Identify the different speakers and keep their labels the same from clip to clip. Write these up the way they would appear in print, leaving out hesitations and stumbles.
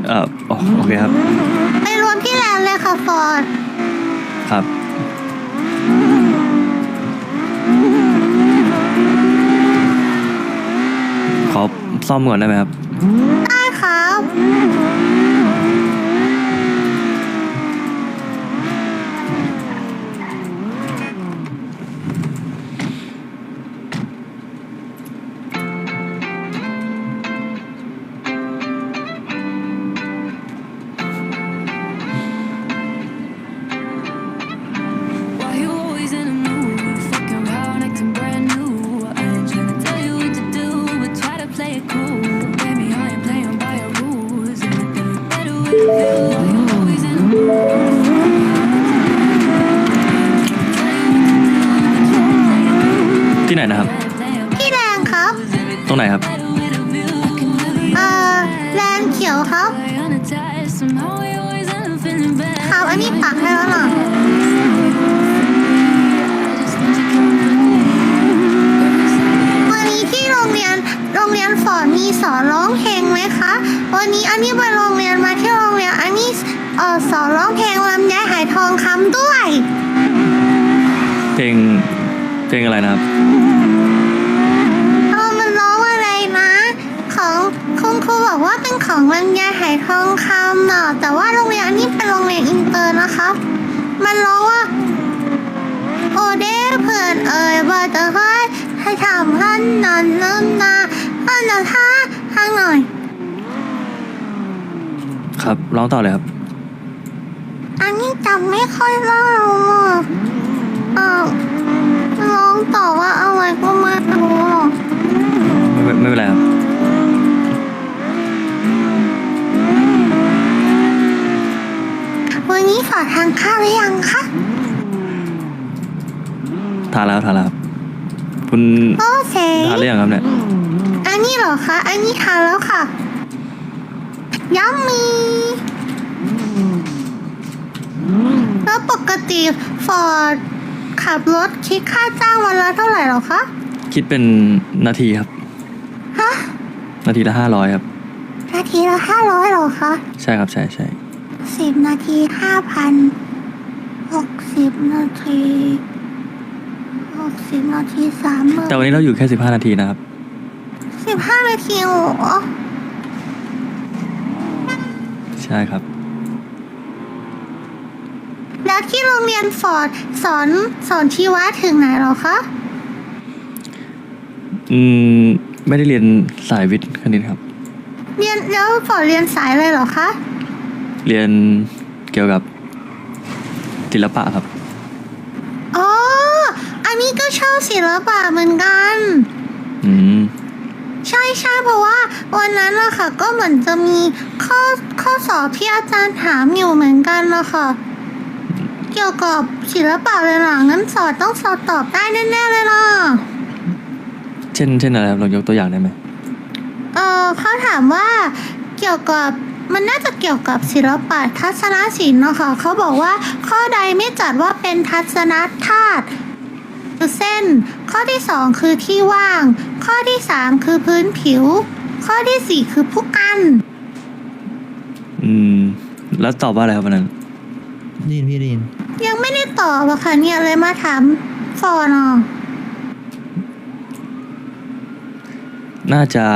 Speaker 1: โอเคครับ
Speaker 2: ไปรวมที่แลนด์เลยค่ะฟอร์ด
Speaker 1: ครับขอซ่อมก่อนได้ไหมครับ
Speaker 2: ได้ครับ
Speaker 1: ที่ไหนนะครับ
Speaker 2: ที่แลนด์ครับ
Speaker 1: ตรงไหนครับ
Speaker 2: แลนด์เขียวครับครับอันนี้ปักให้แล้วหรอวันนี้ที่โรงเรียนฟอร์ดมีสอนร้องเพลงไหมคะวันนี้อันนี้ไปโรงเรียนมาที่โรงเรียนอันนี้สอนร้องเพลงลำไยหายทองคำด้วย
Speaker 1: เพลงอะไรนะครับ
Speaker 2: มันร้องอะไรนะของคุณครูบอกว่าเป็นของลำไยหายทองคำเนาะแต่ว่าโรงเรียนอันนี้เป็นโรงเรียนอินเตอร์นะคะมันร้องว่าโอเด้เพื่อนว่าจะให้ทำท่านนั้นนะท่านนะท่าทางหน่อย
Speaker 1: ครับร้องต่อเลยครับ
Speaker 2: อันนี้จำไม่ค่อยได้ร้องต่อว่าอะไรก็ไม่รู้หรอก
Speaker 1: ไม่เป็นไรครับ
Speaker 2: วันนี้ฝากทานข้าวหรือยังคะ
Speaker 1: ทานแล้วครับคุณ
Speaker 2: โอเค
Speaker 1: ทานหรือยังครับเนี่ย
Speaker 2: อันนี้เหรอคะอันนี้ทานแล้วค่ะยัมมี่แล้วปกติฟอร์ดขับรถคิดค่าจ้างวันละเท่าไหร่หรอคะ
Speaker 1: คิดเป็นนาทีครับ
Speaker 2: ฮะ
Speaker 1: นาทีละ500ครับ
Speaker 2: นาทีละ500หรอคะ
Speaker 1: ใช่ครับใช่
Speaker 2: 10 นาที5,000 60 นาที30 นาที30,000
Speaker 1: แต่วันนี้เราอยู่แค่15 นาทีนะครับ
Speaker 2: 15 นาทีโอ้
Speaker 1: ใช่ครับ
Speaker 2: แล้วที่โรงเรียนฟอร์ดสอนชีวะถึงไหนหรอคะ
Speaker 1: ไม่ได้เรียนสายวิทย์คณิตครับ
Speaker 2: เรียนแล้วฟอร์ดเรียนสายอะไรหรอคะ
Speaker 1: เรียนเกี่ยวกับศิลปะครับ
Speaker 2: อ๋ออันนี้ก็ชอบศิลปะเหมือนกันใช่เพราะว่าวันนั้นอะค่ะก็เหมือนจะมีข้อสอบที่อาจารย์ถามอยู่เหมือนกันนะคะเกี่ยวกับศิลปะเลยนะงั้นต้องสอบตอบได้แน่ๆเลยนะ
Speaker 1: เช่นอะไรครับลองยกตัวอย่างได้ไหม
Speaker 2: เขาถามว่าเกี่ยวกับมันน่าจะเกี่ยวกับศิลปะทัศนศิลป์นะคะเขาบอกว่าข้อใดไม่จัดว่าเป็นทัศนธาตุคือเส้นข้อที่2คือที่ว่างข้อที่3คือพื้นผิวข้อที่4คือผู้กัน
Speaker 1: แล้วตอบว่าอะไรครับวันนั้น
Speaker 3: พี่ดิน
Speaker 2: ยังไม่ได้ตอบอะค่ะเนี่ยเลยมาถามฟอร์นอ
Speaker 1: น่าจะ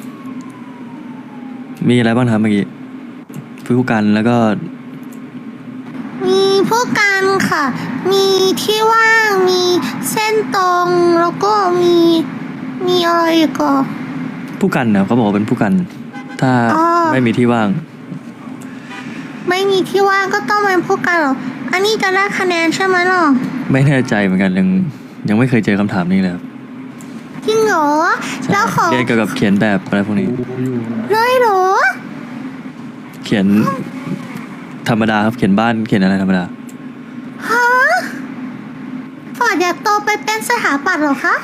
Speaker 1: มีอะไรบ้างครับเมื่อกี้ผู้กันแล้วก็
Speaker 2: มีผู้กันค่ะมีที่ว่างมีเส้นตรงแล้วก็มีอะไรก็
Speaker 1: ผู้กันเนี่ยเขาบอกว่าเป็นผู้กันถ้าไม่มีที่ว่าง
Speaker 2: ไม่มีที่ว่างก็ต้องเป็นผู้กันหรออันนี้จะได้คะแนนใช่ไหมหรอ
Speaker 1: ไม่แน่ใจเหมือนกันยังไม่เคยเจอคำถามนี้เลยครับ
Speaker 2: จริงเหรอแล้วขอ
Speaker 1: เรียนเกี่ยวกับเขียนแบบอะไรพวกนี้
Speaker 2: เลยเหรอ
Speaker 1: เขียนธรรมดาครับเขียนบ้านเขียนอะไรธรรมดา
Speaker 2: ฮะฟอร์ดอยากโตไปเป็นสถาปัตย์เหรอคะ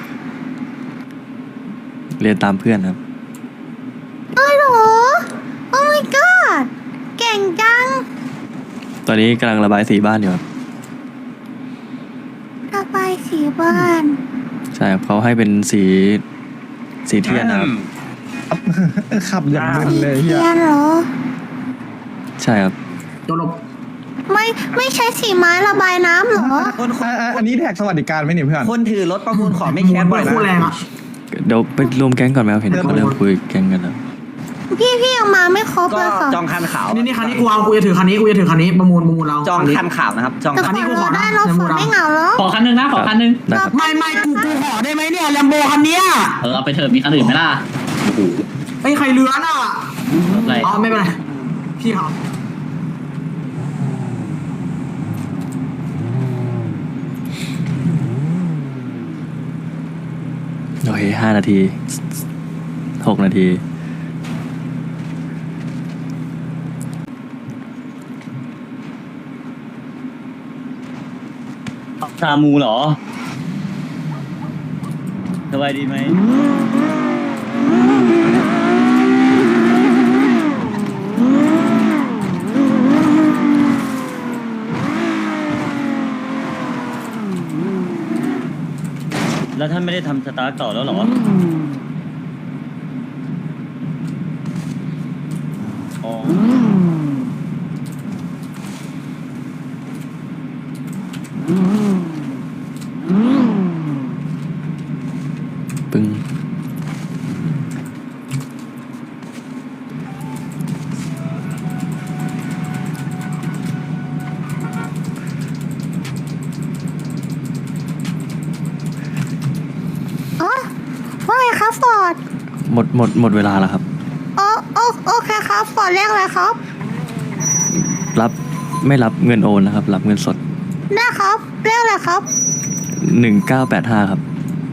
Speaker 1: เรียนตามเพื่อนครับ
Speaker 2: เลยเหรอ Oh my god เก่งจัง
Speaker 1: ตอนนี้กำลังระบายสีบ้านอยู่ครับ
Speaker 2: ระบายสีบ้าน
Speaker 1: ใช่ครับเขาให้เป็นสีเทียนนะครับ
Speaker 3: ขับอย่างมึนเลย
Speaker 2: เทียนเหรอ
Speaker 1: ใช่ครับ
Speaker 4: ตัวหลบ
Speaker 2: ไม่ใช้สีไม้ระบายน้ำเหรอ
Speaker 5: อันนี้แท็กสวัสดิการไหมเนี่ยเพื่อน
Speaker 6: คนถือรถประมูลของไม่แคสบ่อย
Speaker 4: คู่แรง
Speaker 6: นะ
Speaker 4: อ่ะ
Speaker 1: เดี๋ยวไปรวมแก๊งก่อนไหมครับเห็นเขาเริ่มคุยแก๊งกันแล้ว
Speaker 2: พี่ยังมาไม่ครบ
Speaker 6: ก็
Speaker 2: เลยค่ะ
Speaker 6: จองคันขาว
Speaker 4: นี่คันนี้กูจะถือคันนี้ประมูลเรา
Speaker 6: จองคันขาวนะครับจอง
Speaker 2: แต่
Speaker 6: คัน
Speaker 2: ขอรอได้เราฝนไม่เหงาแล้ว
Speaker 7: ขอคันนึงนะขอคันนึง
Speaker 1: ได้ครับ
Speaker 4: ไม่กูขอได้ไหมเนี่ยแลมโบคันเนี้ย
Speaker 7: เอาไปเถอะมีคันอื่นไหมล่ะ
Speaker 4: ไอ้ใครเลื้อนอ่ะ
Speaker 7: รถอะไร
Speaker 4: อ๋อไม่เป็นไรพี่เขา
Speaker 1: โอเค5 นาที 6 นาที
Speaker 8: ซามูเหรอสบายดีไหมแล้วท่านไม่ได้ทำสตาร์ทต่อแล้วเหรออ๋อ
Speaker 1: ปึ้ง
Speaker 2: อ๋อว่าไงครับฟอร์ด
Speaker 1: หมดเวลาแล้วครับ
Speaker 2: โอเคครับฟอร์ดเรียกอะไรครับ
Speaker 1: ไม่รับเงินโอนนะครับ รับเงินสด
Speaker 2: ได้ครับเรียกอะไรครับ
Speaker 1: 1985 ครับ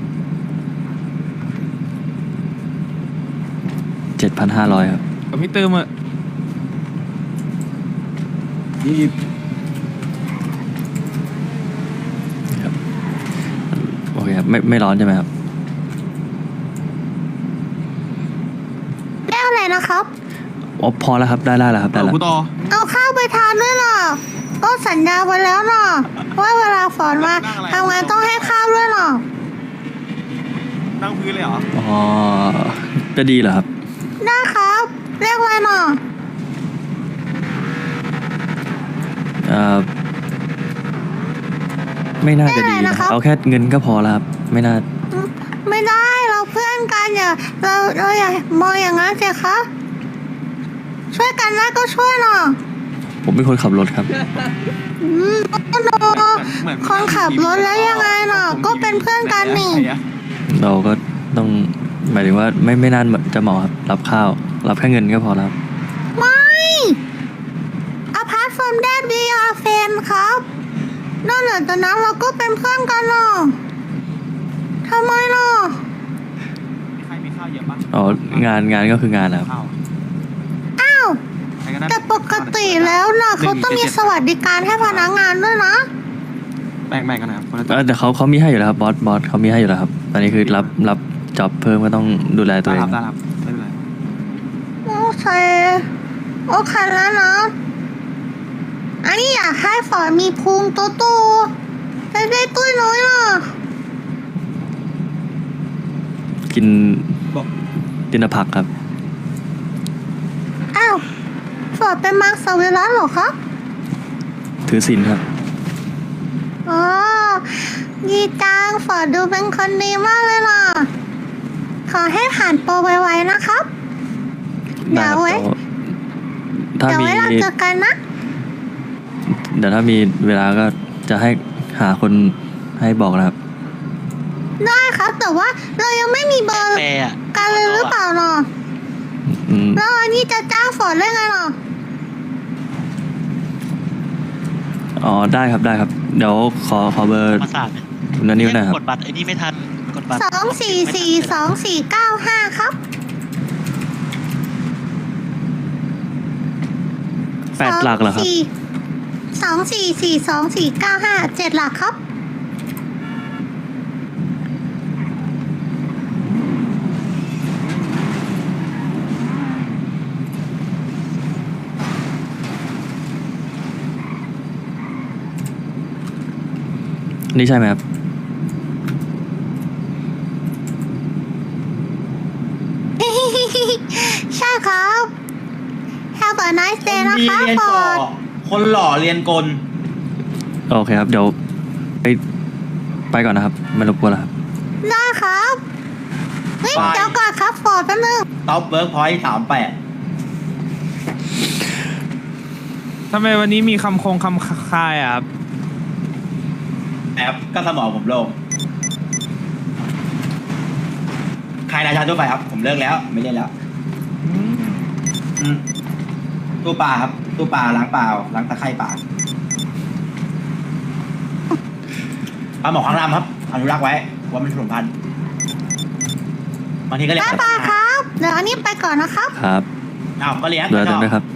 Speaker 1: 7,500 ครับ
Speaker 5: กับพี่เติมอ่ะ
Speaker 1: ครับโอเคครับไม่ร้อนใช่ไหมครับ
Speaker 2: เรียกอะไรนะครับ
Speaker 1: อ๋อพอแล้วครับได้แล้วครับได้แล้ว
Speaker 5: กูต่อ
Speaker 2: เอาข้าวไปทานด้วยนะก็สัญญาไว้แล้วนะว่าเวลาฝนมาทำงานต้องให้ข้าวด้วยนะ
Speaker 5: นั่งพื้นเลยเหรอ
Speaker 1: อ๋อจะดีเหรอครับ
Speaker 2: ได้ครับเรียกอะไรนะ
Speaker 1: ไม่น่าจะดีนะครับเอาแค่เงินก็พอแล้วครับไม่น่า
Speaker 2: ไม่ได้เราเพื่อนกันอย่าเราอย่ามองอย่างนั้นสิคะช่วยกันได้ก็ช่วยหน่อย
Speaker 1: ผมเป็นคนขับรถครับ
Speaker 2: ก็โดคนขับรถแล้วยังไงเนาะก็เป็นเพื่อนกันนี่
Speaker 1: เราก็ต้องหมายถึงว่าไม่น่าจะเหมาะครับรับข้าว รับแค่เงินก็พอแล้วครับ
Speaker 2: ไม่ apart from that we are friends ครับนอกจากนั้นเราก็เป็นเพื่อนกันเนาะทำไมเนาะ
Speaker 5: ใครมีข้าวเยอะปะ
Speaker 1: อ๋องานก็คืองานนะครับ
Speaker 5: ข้าว
Speaker 2: อ้าว
Speaker 5: ใครก็ได้
Speaker 2: แต่ปกติแล้วนะเขาต้องมีสวัสดิการให้พนักงานด้วยนะ
Speaker 5: แบ่งกันนะครับคนละ
Speaker 1: แต่เขามีให้อยู่แล้วครับบอสเขามีให้อยู่แล้วครับตอนนี้คือรับจ็อบเพิ่มก็ต้องดูแลตัวเอง
Speaker 5: ได้ครับไม่เป็นไร
Speaker 2: โอเคแล้วนะอันนี้อยากให้ฝอยมีพุงโตๆแต่ได้ตุ้ยน้อยอ่ะ
Speaker 1: กินแต่ผักครับ
Speaker 2: อ้าวฝอยเป็นมังสวิรัติเหรอคะ
Speaker 1: ถือศีลครับ
Speaker 2: อ๋อดีจังฝอยดูเป็นคนดีมากเลยนะขอให้ผ่านโปรไวๆนะครับ เดี๋ยวไว้
Speaker 1: ถ้า
Speaker 2: เดี๋ยว
Speaker 1: มี
Speaker 2: ไว้เราเจอกันนะ
Speaker 1: เดี๋ยวถ้ามีเวลาก็จะให้หาคนให้บอกนะครับ
Speaker 2: ได้ครับแต่ว่าเรายังไม่มีเบอร์กันเลยหรือเปล่าเนาะ
Speaker 1: อืม
Speaker 2: แล้วอันนี้จะจ้างฝนได้ไงเนาะ
Speaker 1: อ๋อได้ครับเดี๋ยวขอเบอร์
Speaker 8: มาสาด
Speaker 1: คุณนันนิวหนะครับ
Speaker 8: กดบัตรไอ้นี่ไม่ทันกดบัตร
Speaker 2: 2442495ครับ
Speaker 1: 8 หลักเหรอครับ
Speaker 2: 2442495 7 หลักครับ
Speaker 1: นี่ใช่ไหมครับ
Speaker 2: ใช่ครับ Have a นายเซนะ
Speaker 9: มี
Speaker 2: คะ
Speaker 9: เรียน
Speaker 2: ฟ
Speaker 9: ก่
Speaker 2: อ
Speaker 9: อ
Speaker 2: ร์ด
Speaker 9: คนหล่อเรียนกล
Speaker 1: โอเคครับ เดี๋ยวไปก่อนนะครับ ไม่รบกวนแล้วครับ
Speaker 2: ได้ครับเฮ้ย
Speaker 9: ไป
Speaker 2: เดี๋ยวก่อนครับฟอร์ดแป๊บนึง
Speaker 9: ท็อปเวิร์กพอยต์38
Speaker 5: ทำไมวันนี้มีคำคายอ่ะครับ
Speaker 9: แอบก็สมองผมโล่งใครราชาทั่วไปครับ ผมเลิกแล้ว ไม่เล่นแล้วอืมตู้ปลาครับ ตู้ปลาล้างเปล่าล้างตะไคร่ปลาปลาหมอข้างล่างครับอนุรักษ์ไว้ว่ามันสมุนไพรบางทีก็เลี้ยง
Speaker 2: บ๊ายบายครับ เดี๋ยวอันนี้ไปก่อนนะครับ
Speaker 1: ครับ
Speaker 9: อ้าวก็เลี้ยง
Speaker 1: ดูแล
Speaker 9: ก็ช
Speaker 1: ตัว
Speaker 9: อ
Speaker 1: เอบ งด้วยครับ